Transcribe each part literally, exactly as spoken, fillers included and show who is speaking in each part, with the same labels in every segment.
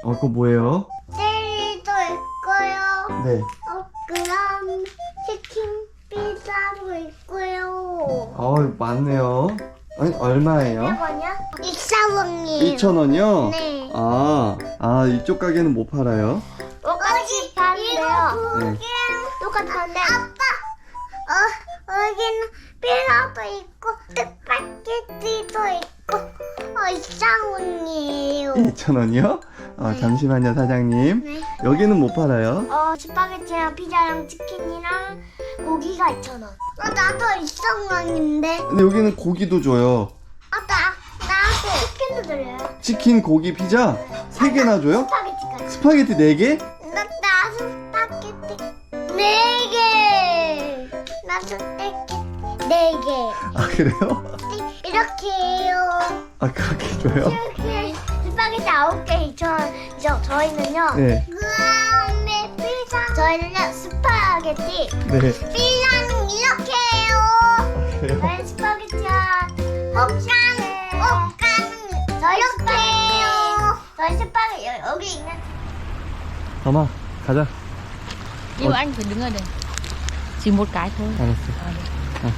Speaker 1: 어, 그거 뭐예요?
Speaker 2: 젤리도 있고요.
Speaker 1: 네.
Speaker 2: 어, 그럼 치킨 피자도 있고요.
Speaker 1: 어, 많네요. 아니, 얼마예요?
Speaker 2: 이거냐? 이천 원이에요.
Speaker 1: 이천 원이요?
Speaker 2: 네.
Speaker 1: 아, 아, 이쪽 가게는 못 팔아요?
Speaker 2: 똑같이 파는데요.
Speaker 1: 네.
Speaker 2: 똑같은데. 아빠, 어, 여기는 피자도 있고 스파게티도 있고 어, 이천 원이에요.
Speaker 1: 이천 원이요? 아,
Speaker 2: 네.
Speaker 1: 잠시만요, 사장님.
Speaker 2: 네.
Speaker 1: 여기는 못 팔아요?
Speaker 2: 어, 스파게티랑 피자랑 치킨이랑 고기가 이천 원. 어, 나도 이천 원인데.
Speaker 1: 근데 여기는 고기도 줘요.
Speaker 2: 아, 나, 나한테 치킨도 드려요.
Speaker 1: 치킨, 고기, 피자 세 개나 줘요?
Speaker 2: 스파게티까지.
Speaker 1: 스파게티 네 개?
Speaker 2: 나, 나 스파게티 네 개. 나 스파게티 네 개.
Speaker 1: 아, 그래요?
Speaker 2: 이렇게 해요.
Speaker 1: 아, 그렇게 줘요?
Speaker 2: 이렇게 스파게티 아홉 개 이천 원. 저, 저희는요.
Speaker 1: 네.
Speaker 2: 그다음에 피자. 저희는요 스파게티.
Speaker 1: 네.
Speaker 2: 피자는 이렇게 해요.
Speaker 1: 그래요?
Speaker 2: 저희 스파게티야. 볶아는 볶아는 저희 이렇게 해요. 저희 스파게티 여- 여기 있는.
Speaker 1: 엄마, 가자.
Speaker 3: Nhưng anh phải đứng ở đây. Chỉ một cái thôi.
Speaker 1: 알았어.
Speaker 3: À, được.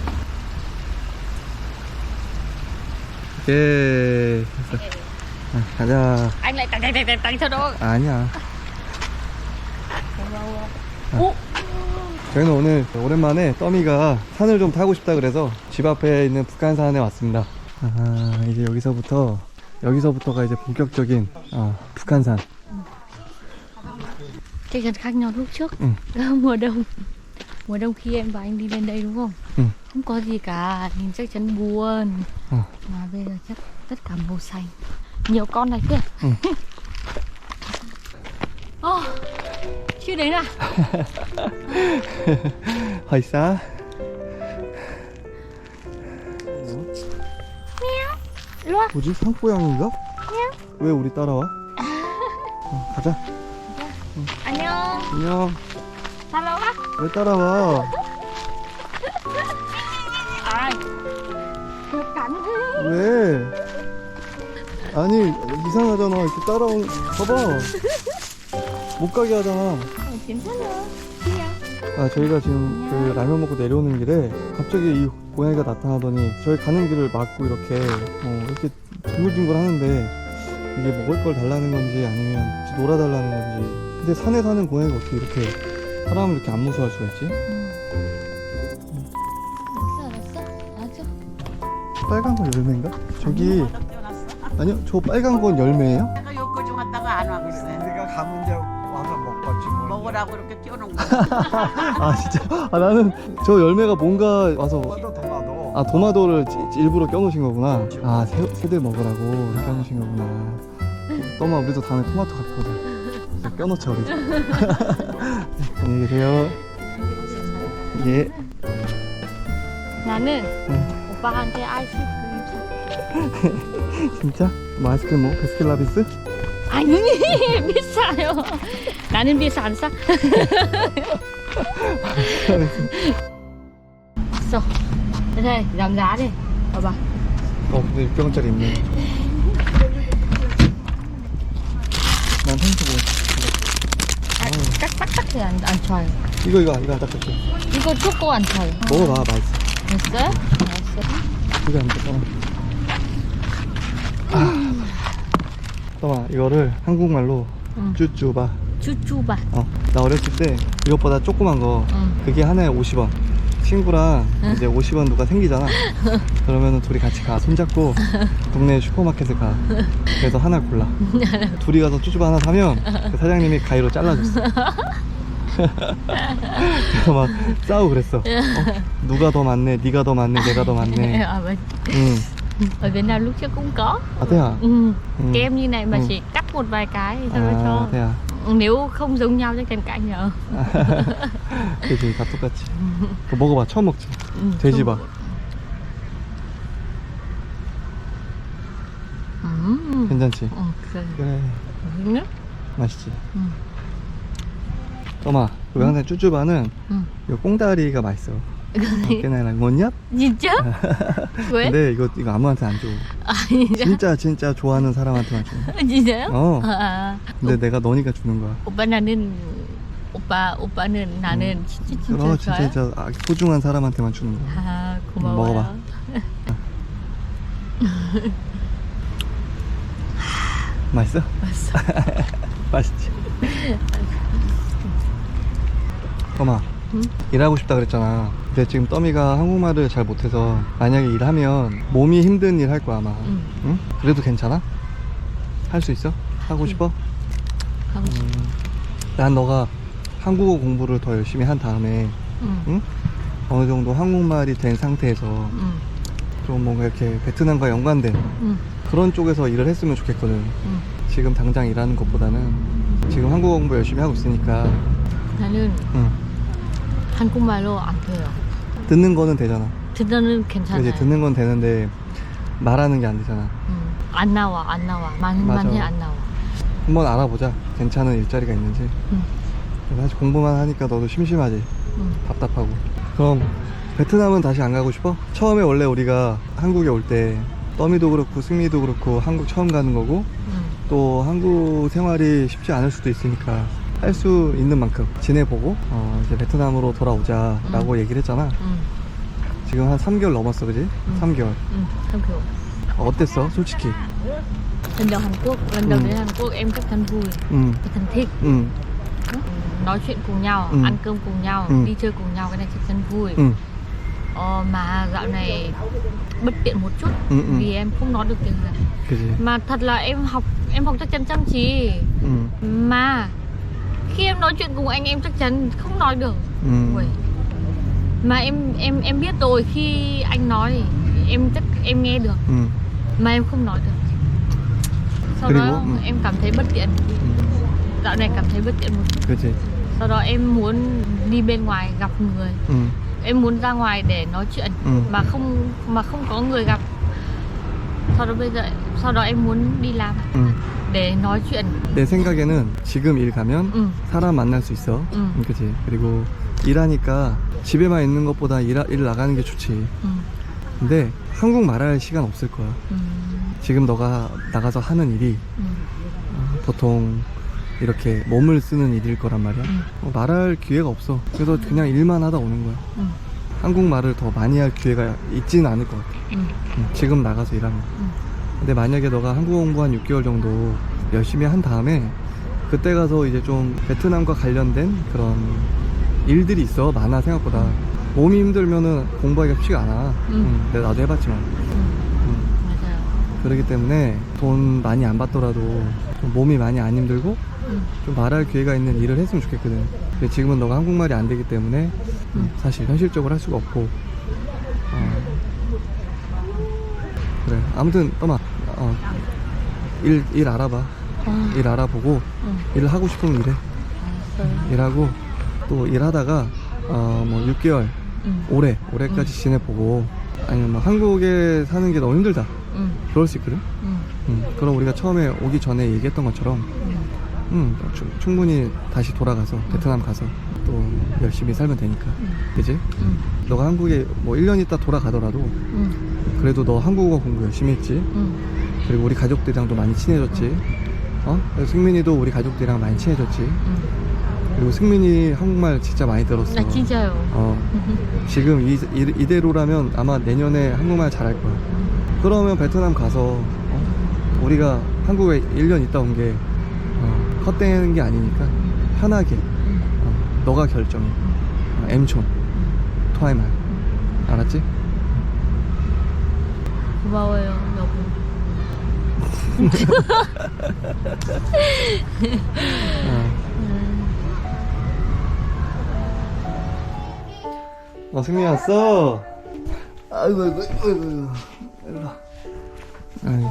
Speaker 1: 예. 됐어. 아, 가자.
Speaker 3: Anh lại tặng tặng tặng tặng tặng cho đó.
Speaker 1: 아니야.
Speaker 3: 오!
Speaker 1: 저희는 오늘 오랜만에 떠미가 산을 좀 타고 싶다 그래서 집 앞에 있는 북한산에 왔습니다. 아, 이제 여기서부터 여기서부터가 이제 본격적인 어, 북한산.
Speaker 3: Chắc chắn khác nhau lúc trước.
Speaker 1: Ừ.
Speaker 3: Mùa đông. Mùa đông khi em và anh đi lên đây đúng không?
Speaker 1: Ừ.
Speaker 3: Không có gì cả, nhìn chắc chắn buồn.
Speaker 1: Ừ.
Speaker 3: Mà bây giờ chắc tất cả màu xanh. Nhiều con này kia.
Speaker 1: Ừ.
Speaker 3: Ồ, chưa đến à?
Speaker 1: 허이싸.
Speaker 3: 일로 와.
Speaker 1: 뭐지? 산고양인가? 왜 우리 따라와? 어, 가자.
Speaker 3: 안녕.
Speaker 1: 안녕.
Speaker 3: 따라와.
Speaker 1: 왜 따라와?
Speaker 3: Ai? Được cắn.
Speaker 1: 왜? 아니, 이상하잖아. 이렇게 따라온, 봐봐. 못 가게 하잖아.
Speaker 3: Ờ, 괜찮아. 그냥.
Speaker 1: 아, 저희가 지금 그 라면 먹고 내려오는 길에 갑자기 이 고양이가 나타나더니 저희 가는 길을 막고 이렇게 어, 이렇게 뒹굴뒹굴 하는데 이게 먹을 걸 달라는 건지 아니면 같이 놀아달라는 건지. 근데 산에 사는 고양이가 어떻게 이렇게 사람을 이렇게 안 무서워할 수가 있지?
Speaker 3: 알았어, 알았어. 알았어.
Speaker 1: 빨간 건 열매인가? 저기 아니요, 저 빨간 건 열매예요?
Speaker 4: 내가 여기까지 갔다가 안 하고 있어요.
Speaker 5: 우리가 가면 이제 와서 먹겠지 뭘.
Speaker 4: 먹으라고 이렇게 띄워놓은 거야.
Speaker 1: 아, 진짜? 아, 나는 저 열매가 뭔가 와서
Speaker 5: 토마토 토마토.
Speaker 1: 아, 도마도를 찌- 찌- 일부러 껴놓으신 거구나. 아, 새, 새들 먹으라고 껴놓으신 거구나. 떠마, 우리도 다음에 토마토 갖고 오자. 진짜 껴놓자, 우리도. 안녕히 계세요. 예.
Speaker 3: 나는
Speaker 1: 응.
Speaker 3: 오빠한테 아이스크림
Speaker 1: 진짜? 뭐 아이스크림 뭐? 베스킨라빈스?
Speaker 3: 아니 비싸요. 나는 비싸 안 사. Rồi, đây giảm giá đi. 봐봐.
Speaker 1: 어, 근데 육 병짜리 있네. 난 생수 먹어.
Speaker 3: 아, 깍 깍깍 thì 안, 안 좋아요.
Speaker 1: 이거, 이거, 이거 안 닦았지?
Speaker 3: 이거 초코 안 좋아요.
Speaker 1: 먹어봐, 맛있어.
Speaker 3: 됐어요? 알았어.
Speaker 1: 이거 안 닦아. 아. 떠마, 이거를 한국말로
Speaker 3: 응.
Speaker 1: 쭈쭈바.
Speaker 3: 쭈쭈바.
Speaker 1: 어, 나 어렸을 때 이것보다 조그만 거
Speaker 3: 응.
Speaker 1: 그게 하나에 오십 원. 친구랑
Speaker 3: 응.
Speaker 1: 이제 오십 원 누가 생기잖아. 그러면은 둘이 같이 가. 손잡고 동네 슈퍼마켓에 가. 그래서 하나 골라. 둘이 가서 쭈쭈바 하나 사면 그 사장님이 가위로 잘라줬어. 그래서 막 싸우고 그랬어. 어? 누가 더 많네, 네가 더 많네, 내가 더 많네.
Speaker 3: Ở, bên,
Speaker 1: 응.
Speaker 3: ở Việt Nam lúc trước cũng có.
Speaker 1: 아, 태야.
Speaker 3: Ừ.
Speaker 1: Ừ.
Speaker 3: Kem như này mà
Speaker 1: Ừ.
Speaker 3: chỉ cắt một vài cái thì thôi
Speaker 1: 아,
Speaker 3: cho.
Speaker 1: 태야.
Speaker 3: Nếu không giống nhau chắc chắn cãi nhau.
Speaker 1: 그치, 다 똑같지. 그거 먹어봐, 처음 먹지.
Speaker 3: 응,
Speaker 1: 돼지바.
Speaker 3: 음.
Speaker 1: 괜찮지?
Speaker 3: 어, 그래.
Speaker 1: 그래,
Speaker 3: 맛있네?
Speaker 1: 맛있지.
Speaker 3: 응.
Speaker 1: 떠마, 우리 항상 쭈쭈바는
Speaker 3: 응.
Speaker 1: 이 꽁다리가 맛있어. cái này là ngon nhất.
Speaker 3: 진짜? 왜?
Speaker 1: 근데 이거 이거 아무한테 안 줘.
Speaker 3: 아 진짜?
Speaker 1: 진짜 진짜 좋아하는 사람한테만 줘.
Speaker 3: 진짜요?
Speaker 1: 어.
Speaker 3: 아,
Speaker 1: 근데 내가 너니까 주는 거야.
Speaker 3: 오빠 나는 오빠 오빠는 나는 진짜 진짜
Speaker 1: 그럼
Speaker 3: 좋아요.
Speaker 1: 진짜 진짜 아, 소중한 사람한테만 주는 거야.
Speaker 3: 아 고마워요.
Speaker 1: 먹어봐. 맛있어?
Speaker 3: 맛있어.
Speaker 1: 맛있지. 떠마.
Speaker 3: 응?
Speaker 1: 일하고 싶다 그랬잖아. 근데 지금 떠미가 한국말을 잘 못해서 만약에 일하면 몸이 힘든 일 할 거야 아마.
Speaker 3: 응.
Speaker 1: 응? 그래도 괜찮아? 할 수 있어? 하고 싶어?
Speaker 3: 하고 싶어.
Speaker 1: 음, 난 너가 한국어 공부를 더 열심히 한 다음에
Speaker 3: 응.
Speaker 1: 응? 어느 정도 한국말이 된 상태에서
Speaker 3: 응.
Speaker 1: 좀 뭔가 이렇게 베트남과 연관된
Speaker 3: 응.
Speaker 1: 그런 쪽에서 일을 했으면 좋겠거든.
Speaker 3: 응.
Speaker 1: 지금 당장 일하는 것보다는 지금 한국어 공부 열심히 하고 있으니까
Speaker 3: 나는
Speaker 1: 응.
Speaker 3: 한국말로 안 돼요.
Speaker 1: 듣는 거는 되잖아.
Speaker 3: 듣는 괜찮아요.
Speaker 1: 이제 듣는 건 되는데 말하는 게 안 되잖아.
Speaker 3: 응. 안 나와 안 나와 많은
Speaker 1: 맞아.
Speaker 3: 많이 안 나와.
Speaker 1: 한번 알아보자. 괜찮은 일자리가 있는지.
Speaker 3: 응.
Speaker 1: 사실 공부만 하니까 너도 심심하지.
Speaker 3: 응.
Speaker 1: 답답하고. 그럼 베트남은 다시 안 가고 싶어? 처음에 원래 우리가 한국에 올 때 떠미도 그렇고 승미도 그렇고 한국 처음 가는 거고
Speaker 3: 응.
Speaker 1: 또 한국 생활이 쉽지 않을 수도 있으니까 할 수 있는 만큼 지내보고 어 이제 베트남으로 돌아오자 라고
Speaker 3: 응.
Speaker 1: 얘기를 했잖아.
Speaker 3: 응.
Speaker 1: 지금 한 삼 개월 넘었어 그지?
Speaker 3: 응.
Speaker 1: 삼 개월.
Speaker 3: 응. Tham khảo.
Speaker 1: 어땠어 솔직히?
Speaker 3: Lần đầu Hàn Quốc, lần đầu
Speaker 1: Ừ.
Speaker 3: đến Hàn Quốc em rất thân vui,
Speaker 1: 응,
Speaker 3: thân thích.
Speaker 1: 응,
Speaker 3: Nói chuyện cùng nhau,
Speaker 1: Ừ.
Speaker 3: ăn cơm cùng nhau,
Speaker 1: Ừ.
Speaker 3: đi chơi cùng nhau, cái này rất thân vui.
Speaker 1: 응,
Speaker 3: Ờ, mà dạo này bất tiện một chút
Speaker 1: Ừ, ừ.
Speaker 3: vì em không nói được tiếng Hàn.
Speaker 1: 그지?
Speaker 3: Mà thật là em học em học chắc chắn chăm chỉ.
Speaker 1: 응,
Speaker 3: Mà khi em nói chuyện cùng anh em chắc chắn không nói được.
Speaker 1: 응,
Speaker 3: Ui. Mà em em em biết rồi, khi anh nói em chắc em nghe được
Speaker 1: 응,
Speaker 3: mà em không nói được. Sau
Speaker 1: 그리고,
Speaker 3: đó
Speaker 1: ừ.
Speaker 3: em cảm thấy bất tiện.
Speaker 1: 응,
Speaker 3: Dạo này cảm thấy bất tiện một chút.
Speaker 1: 그지?
Speaker 3: Sau đó em muốn đi bên ngoài gặp người.
Speaker 1: 응,
Speaker 3: Em muốn ra ngoài để nói chuyện
Speaker 1: Ừ.
Speaker 3: mà không mà không có người gặp. Sau đó bây giờ sau đó em muốn đi làm
Speaker 1: 응.
Speaker 3: để nói chuyện.
Speaker 1: 내 생각에는 지금 일 가면
Speaker 3: 응.
Speaker 1: 사람 만날 수 있어.
Speaker 3: 응.
Speaker 1: 그지? 그리고 일하니까 집에만 있는 것보다 일, 일 나가는 게 좋지.
Speaker 3: 응.
Speaker 1: 근데 한국 말할 시간 없을 거야.
Speaker 3: 응.
Speaker 1: 지금 너가 나가서 하는 일이
Speaker 3: 응.
Speaker 1: 어, 보통 이렇게 몸을 쓰는 일일 거란 말이야.
Speaker 3: 응.
Speaker 1: 어, 말할 기회가 없어. 그래서 그냥 일만 하다 오는 거야.
Speaker 3: 응.
Speaker 1: 한국말을 더 많이 할 기회가 있지는 않을 것 같아.
Speaker 3: 응.
Speaker 1: 응, 지금 나가서 일하면.
Speaker 3: 응.
Speaker 1: 근데 만약에 너가 한국어 공부 한 육 개월 정도 열심히 한 다음에 그때 가서 이제 좀 베트남과 관련된 그런 일들이 있어. 많아 생각보다. 몸이 힘들면은 공부하기가 쉽지가 않아.
Speaker 3: 응.
Speaker 1: 응, 내가 나도 해봤지만. 응.
Speaker 3: 맞아요.
Speaker 1: 그렇기 때문에 돈 많이 안 받더라도 좀 몸이 많이 안 힘들고
Speaker 3: 응.
Speaker 1: 좀 말할 기회가 있는 일을 했으면 좋겠거든. 근데 지금은 너가 한국말이 안 되기 때문에 음, 사실 현실적으로 할 수가 없고 어, 그래 아무튼 떠마 어, 일, 일 알아봐.
Speaker 3: 어.
Speaker 1: 일 알아보고
Speaker 3: 응.
Speaker 1: 일 하고 싶으면 일해.
Speaker 3: 알았어요.
Speaker 1: 일하고 또 일하다가 어, 뭐 육 개월
Speaker 3: 응.
Speaker 1: 올해 올해까지 지내보고 아니면 뭐 한국에 사는 게 너무 힘들다
Speaker 3: 응.
Speaker 1: 그럴 수 있거든.
Speaker 3: 응.
Speaker 1: 음, 그럼 우리가 처음에 오기 전에 얘기했던 것처럼
Speaker 3: 응.
Speaker 1: 음, 충, 충분히 다시 돌아가서 베트남 가서 또 열심히 살면 되니까.
Speaker 3: 응.
Speaker 1: 그지?
Speaker 3: 응.
Speaker 1: 너가 한국에 뭐 일 년 있다 돌아가더라도
Speaker 3: 응.
Speaker 1: 그래도 너 한국어 공부 열심히 했지.
Speaker 3: 응.
Speaker 1: 그리고 우리 가족들이랑도 많이 친해졌지. 어? 그래서 승민이도 우리 가족들이랑 많이 친해졌지.
Speaker 3: 응.
Speaker 1: 그리고 승민이 한국말 진짜 많이 들었어.
Speaker 3: 나 진짜요.
Speaker 1: 어, 지금 이, 이, 이대로라면 아마 내년에 한국말 잘할 거야. 그러면 베트남 가서 어? 우리가 한국에 일 년 있다 온 게 어, 헛되는 게 아니니까 편하게 어, 너가 결정해. 어, 엠촌 토하이말 알았지?
Speaker 3: 고마워요, 여보.
Speaker 1: 어. 어, 승민이 왔어. 아이고, 아이고, 아이고, 아이고. 일로 와. 아이고.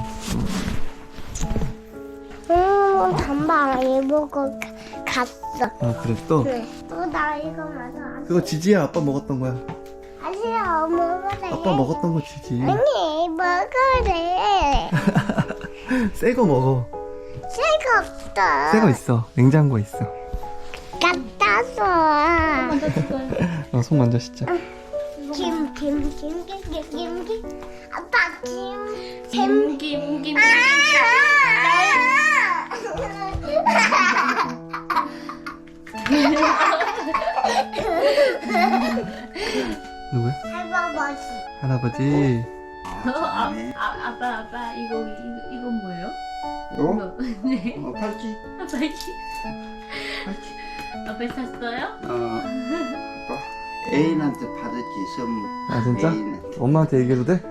Speaker 2: 응, 잠바 입고 갔어.
Speaker 1: 아, 그랬어?
Speaker 2: 그래. 또 나 이거 맞아.
Speaker 1: 그거 지지야. 아빠 먹었던 거야.
Speaker 2: 아니야, 먹으래.
Speaker 1: 아빠 먹었던 거 지지.
Speaker 2: 아니, 먹으래.
Speaker 1: 새 거 먹어.
Speaker 2: 새가 없어.
Speaker 1: 새 거 있어. 냉장고에 있어.
Speaker 2: 갖다 줘.
Speaker 1: 어, 손 만져 씻자.
Speaker 2: 김, 김, 김, 김, 김, 김, 김. 아빠 김.
Speaker 3: Kim Kim Kim.
Speaker 2: 아!
Speaker 1: 누구야?
Speaker 2: 할아버지.
Speaker 1: 할아버지.
Speaker 3: 어, 아, 아, 아빠 아빠 이거 이거 이거 뭐예요?
Speaker 5: 너?
Speaker 3: 이거 네.
Speaker 5: 어, 팔찌?
Speaker 3: 아빠지. 아빠 샀어요?
Speaker 5: 어. 아빠 애인한테 받았지 선물.
Speaker 1: 아 진짜?
Speaker 5: 애인한테.
Speaker 1: 엄마한테 얘기해도 돼?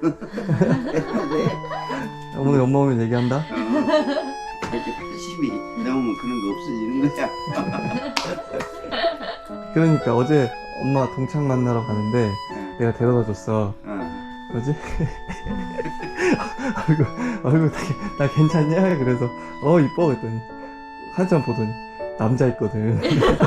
Speaker 1: 오늘 엄마 오면 얘기한다.
Speaker 5: 이렇게 팔십이 넘으면 그런 거 없어지는 거야.
Speaker 1: 그러니까 어제 엄마 동창 만나러 가는데 내가 데려다 줬어.
Speaker 5: 어.
Speaker 1: 뭐지? 얼굴 얼굴 나, 나 괜찮냐? 그래서 어 이뻐 그랬더니 한참 보더니 남자 있거든.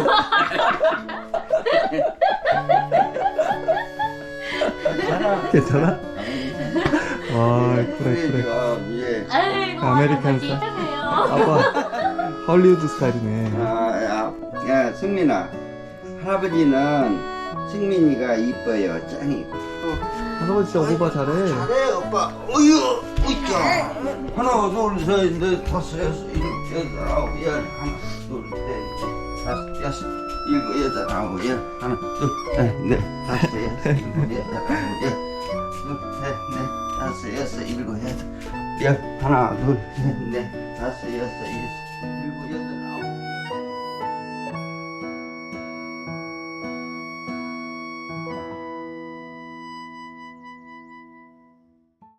Speaker 1: 괜찮아? 와 그래 그래.
Speaker 5: 예.
Speaker 3: 아이고
Speaker 1: 아메리칸
Speaker 3: 할아버지
Speaker 1: 스타일.
Speaker 3: 이상해요.
Speaker 1: 아빠 헐리우드 스타일이네.
Speaker 5: 아, 야, 야, 승민아. 할아버지는 승민이가 이뻐요. 짱이.
Speaker 1: 할아버지 진짜 오빠 잘해.
Speaker 5: 잘해, 오빠. 어휴, 으쌰. 하나, 둘, 셋, 넷, 다섯, 여섯, 일곱, 여덟, 아홉, 열. 하나, 둘, 셋, 다섯, 여섯, 일곱, 여덟, 아홉, 열. 하나, 둘, 셋, 넷, 다섯, 여섯, 일곱, 여덟, 아홉, 열. 둘, 셋, 넷, 다섯, 여섯, 일곱, 여덟, 열. 하나, 둘, 셋, 넷, 다섯, 여섯, 일곱, 여덟, 아홉.